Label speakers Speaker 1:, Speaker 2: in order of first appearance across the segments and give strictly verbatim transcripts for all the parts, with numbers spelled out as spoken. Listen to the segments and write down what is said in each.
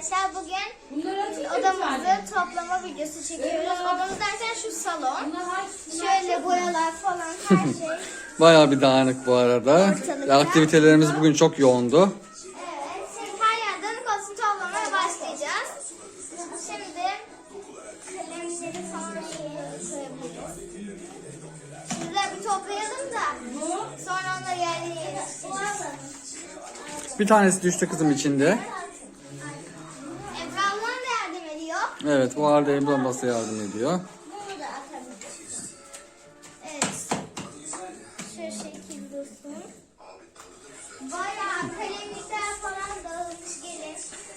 Speaker 1: arkadaşlar. Bugün odamızı toplama videosu çekiyoruz. Odamız derken şu salon. Şöyle boyalar falan her şey.
Speaker 2: Bayağı bir dağınık bu arada.
Speaker 1: Ortalıkta.
Speaker 2: Aktivitelerimiz bugün çok yoğundu.
Speaker 1: Evet. Şimdi her yer dağınık olsun, toplamaya başlayacağız. Şimdi kalemleri falan şöyle koyabiliriz. Şurada bir toplayalım da sonra onları yerine yerleştireceğiz.
Speaker 2: Bir tanesi düştü kızım içinde.
Speaker 1: Ebru'ndan da yardım ediyor.
Speaker 2: Evet, bu arada Ebru ablası yardım ediyor.
Speaker 1: Bunu da atabiliriz. Evet. Şu şekil dursun. Bayağı kalemlikler falan dağılmış gelin.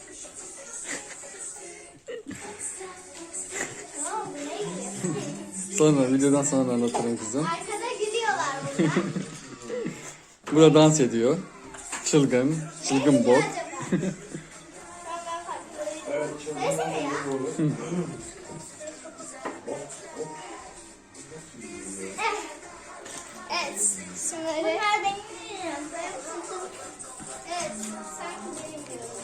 Speaker 1: Ne oldu? Ne gidiyor?
Speaker 2: Sonra, videodan sonra anlatırım kızım.
Speaker 1: Arkada gülüyorlar burada.
Speaker 2: Burada dans ediyor. Çılgın, çılgın bot.
Speaker 1: Söylesene ya. Evet. Şunları. Bunlar benim diyorum. Evet. Sanki benim diyorum.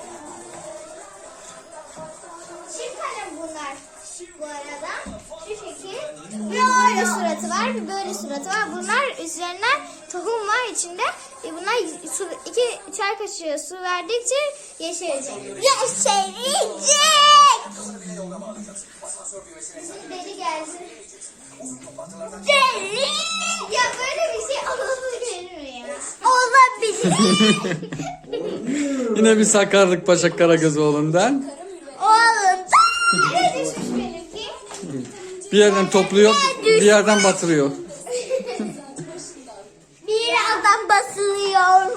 Speaker 1: Çift kalem bunlar. Bu arada. Şu şekil. Bir öyle suratı var. Bir böyle suratı var. Bunlar üzerine tohum var içinde. E bunlar su, iki çay kaşığı su verdikçe yeşerecek. Yeşerecek! Bizim deli geldi. Deli! Ya böyle bir şey olabilir mi ya? Olabilir.
Speaker 2: Yine bir sakarlık Paşa Karagözoğlu'ndan.
Speaker 1: Oğlum nereye düşmüş benimki?
Speaker 2: Bir yerden topluyor, bir yerden batırıyor.
Speaker 1: Bir adam basılıyor.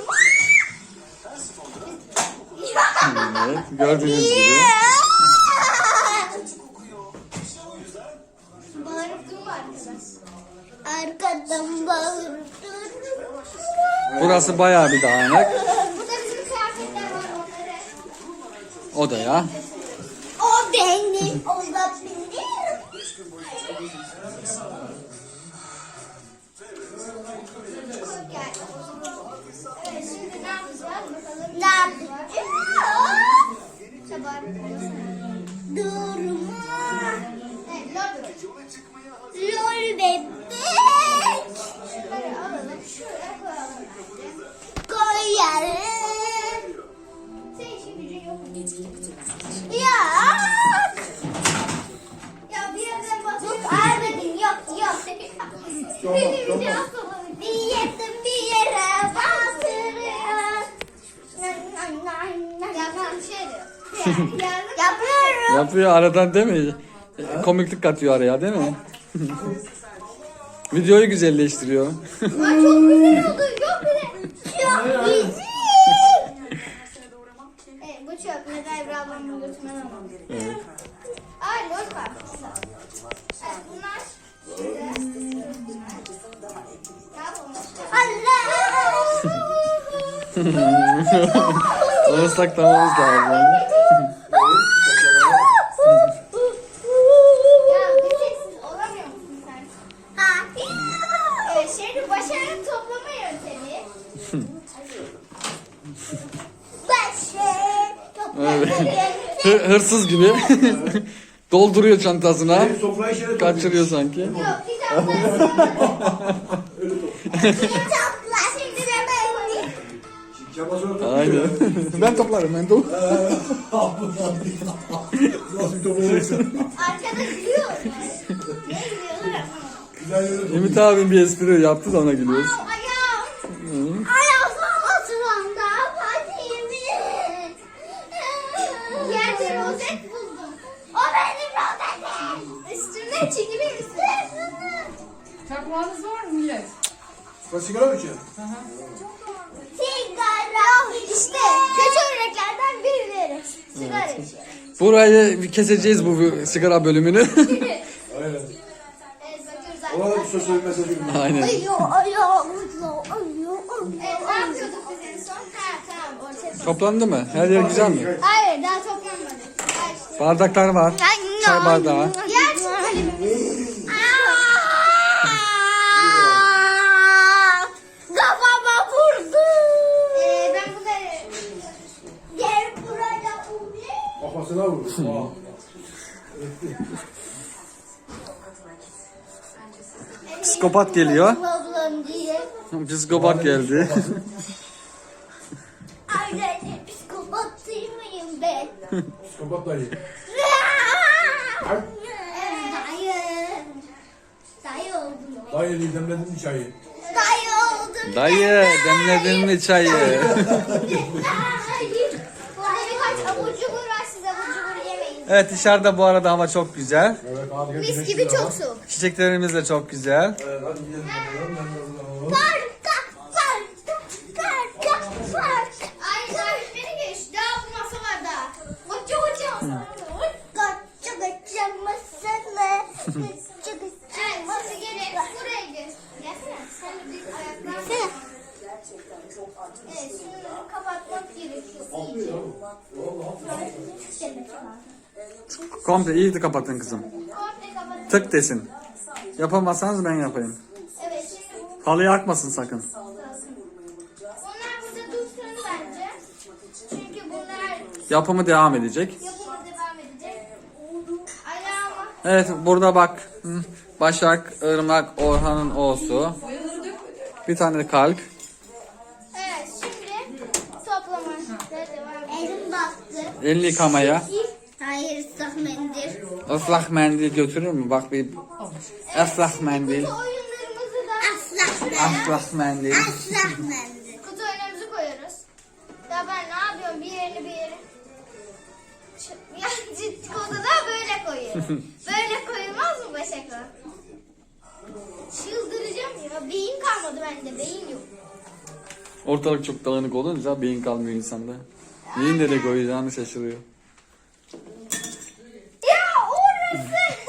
Speaker 2: Evet, gördüğünüz gibi.
Speaker 1: Bağırıp durma arkadaş. Arkadan bağırıp durma.
Speaker 2: Burası bayağı bir dağınık.
Speaker 1: Burada bizim kıyafetler var onları.
Speaker 2: Odaya.
Speaker 1: O benim olabilir. Evet, şimdi ne yapacağız bakalım. Ne yapacağız? Çabar. Durma. Evet, lol. Lol bebek. Şunları alalım, şuraya koyalım. Koyalım. Senin işin gücün yok mu? Ya. Ya bir yerden basıp vermedin. Yok yok. Benim bir asılım. Bir yerden bir yere bastırıyor. Yapıyorum şey diyor. Yapıyorum.
Speaker 2: Yapıyor aradan değil mi? Komiklik katıyor araya değil mi? Videoyu güzelleştiriyor.
Speaker 1: Ay çok güzel oldu. Çok güzel. Çok güzel. Evet bu çöp. Neden Ebru ablamın götürmen alalım.
Speaker 2: Evet.
Speaker 1: Ay lol var. Evet bunlar. Allah.
Speaker 2: Onu saklamamız lazım.
Speaker 1: Ya bir sessiz olamıyor musun sen? Ha. Evet şimdi başarılı toplama yöntemi. Başarılı toplama
Speaker 2: Evet.
Speaker 1: yöntemi.
Speaker 2: Hı- hırsız gibi. Dolduruyor çantasına.
Speaker 3: Benim sofrayı şöyle
Speaker 2: Kaçırıyor sanki.
Speaker 1: Yok kitaplar. Kitaplar şimdi ben böyle.
Speaker 3: Çabasını
Speaker 2: Aynen. Ben toplarım ben toplarım.
Speaker 3: Nasıl bir toplayacaksın?
Speaker 1: Arkada gülüyor. Ne gülüyorlar?
Speaker 3: Güzel yere
Speaker 2: Ümit abim bir espri yaptı da ona gülüyoruz.
Speaker 1: Au, ayağım. Ayağım sıramda patiğimi. Yerde rozet buldum. O benim rozetim. Üstümde çekimi misin?
Speaker 4: Çakmağınız var mı millet?
Speaker 3: Sen sigara mı içiyorsun?
Speaker 1: Sigara. İşte kötü örneklerden birileri. Sigara içiyor.
Speaker 2: Burayı bir keseceğiz bu sigara bölümünü.
Speaker 3: Aynen.
Speaker 1: Evet bakıyoruz
Speaker 3: Ona da bir
Speaker 1: arkadaşlar.
Speaker 3: sosyal mesajı gibi.
Speaker 2: Aynen.
Speaker 1: Ayo ayo ayo ayo. Evet ne yapıyorduk biz en son? Ha tamam ortaya koyduk.
Speaker 2: Toplandı mı? Her yer güzel mi?
Speaker 1: Hayır daha toplanmadı. Hayır.
Speaker 2: Bardaklar var. Çay bardağı.
Speaker 1: Yer şu kalemimiz. Kafama vurdu. Ee, ben bunları yer buraya vurdu.
Speaker 3: Kafasına vurdu. Wow.
Speaker 2: Psikopat geliyor.
Speaker 1: Ablam diye.
Speaker 2: Psikopat geldi.
Speaker 1: Ay ben psikopat değil miyim ben?
Speaker 3: Psikopat dayı.
Speaker 1: Evet, dayı. Dayı oldum.
Speaker 3: Dayı demledin mi çayı?
Speaker 1: Dayı oldum.
Speaker 2: Dayı demledin mi çayı?
Speaker 1: Dayı. Burada birkaç abur cubur var, siz abur cubur yemeyin.
Speaker 2: Evet, dışarıda bu arada hava çok güzel.
Speaker 3: Evet hadi gel.
Speaker 1: Mis
Speaker 3: güneş
Speaker 1: gibi
Speaker 3: de
Speaker 1: çok
Speaker 3: var.
Speaker 1: soğuk.
Speaker 2: Çiçeklerimiz de çok güzel.
Speaker 3: Evet hadi gidelim bakalım. Ben de o zaman-
Speaker 1: Parka, parka, parka, parka. Ay ay beni geç. Daha bu masa var daha. Koca koca masa. Koca koca masana. Koca koca evet, masa gelin. Buraya gel. Gelsene. Sen de bir ayaklar. Evet, şunu kapatmak gerekiyor. İyice.
Speaker 2: Komple iyi de kapatın kızım.
Speaker 1: Komple kapatın.
Speaker 2: Tık desin. Yapamazsanız ben yapayım.
Speaker 1: Evet, şimdi bu.
Speaker 2: Halıyı akmasın sakın.
Speaker 1: Onlar burada dursun bence. Çünkü bunlar
Speaker 2: Yapımı devam edecek.
Speaker 1: yapıma devam edecek. Ayağıma.
Speaker 2: Evet, burada bak. Hı. Başak, Irmak, Orhan'ın O'su. Bir tane de kalp.
Speaker 1: Evet, şimdi toplama devam edelim. Elim baktı.
Speaker 2: Elini yıkamaya.
Speaker 1: Hayır, ıslak mendil.
Speaker 2: Islak mendil götürür mü? Bak bir ıslak mendil.
Speaker 1: Kutu oyunlarımızı da ıslak mendil.
Speaker 2: Islak mendil.
Speaker 1: Islak mendil. Kutu oyunlarımızı koyuyoruz. Ya ben ne yapıyorum? Bir yerini bir yere. Ç- Ya ciddi odada böyle koyuyorum. Böyle koyulmaz mı Başak'a? Çıldıracağım ya. Beyin kalmadı bende. Beyin yok.
Speaker 2: Ortalık çok dağınık olunca beyin kalmıyor insanda. Neyin nereye koyacağını şaşırıyor.
Speaker 1: Ya orası.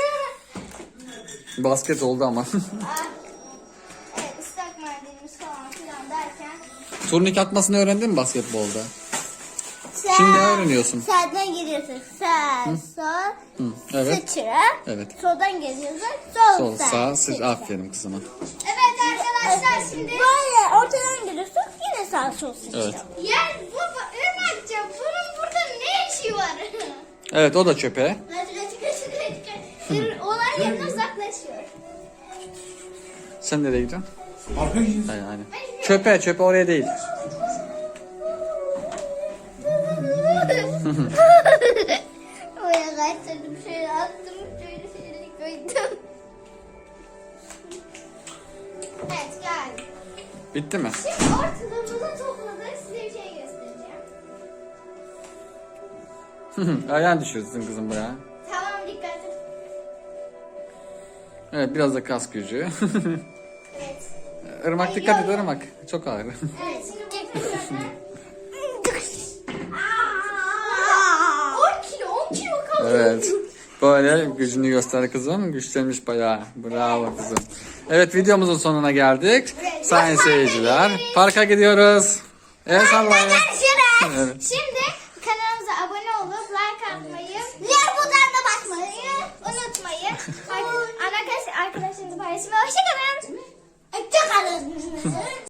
Speaker 2: Basket oldu ama.
Speaker 1: Ah. Evet, ıslak mendilimiz falan filan derken.
Speaker 2: Turnik atmasını öğrendin mi basketbolda? Şimdi öğreniyorsun.
Speaker 1: Sağdan giriyorsun. Sağ, sol,
Speaker 2: Hı, evet.
Speaker 1: sıçra.
Speaker 2: Evet.
Speaker 1: Soldan geliyorsun. Sol,
Speaker 2: Sol,
Speaker 1: sağ,
Speaker 2: sağ,
Speaker 1: sıçra.
Speaker 2: sıç. Aferin kızıma.
Speaker 1: Evet arkadaşlar şimdi. Böyle ortadan giriyorsun. Yine sağ, sol, sıçra.
Speaker 2: Evet.
Speaker 1: Ya baba Irmak'cığım bunun burada ne işi var?
Speaker 2: Evet, o da çöpe.
Speaker 1: Olay yerine uzaklaşıyor.
Speaker 2: Sen nereye gidiyorsun?
Speaker 3: Arka gidiyorsun.
Speaker 2: Aynen, aynen. Çöpe, çöpe oraya değil.
Speaker 1: Oraya kaçtırdım, şöyle attım, şöyle şöyle koydum. Evet geldim.
Speaker 2: Bitti mi?
Speaker 1: Şimdi ortalarımızı topladık, size bir şey göstereceğim.
Speaker 2: Ayağını düşürsün kızım buraya.
Speaker 1: Tamam dikkat et.
Speaker 2: Evet, biraz da kas gücü.
Speaker 1: Evet.
Speaker 2: Irmak dikkat et Irmak. Çok ağır.
Speaker 1: Evet şimdi bakın. on kilo on kilo kaldı.
Speaker 2: Evet. Böyle gücünü göster kızım. Güçlenmiş bayağı. Bravo kızım. Evet, videomuzun sonuna geldik. Sayın seyirciler. Parka gidiyoruz. El sallayın.
Speaker 1: Görüşürüz.
Speaker 2: Evet.
Speaker 1: Şimdi kanalımıza abone olup like atmayı, diğer butonuna basmayı unutmayın. Arkadaşlar arkadaşlarınızla paylaşmayı. Hoşçakalın. Hoşçakalın.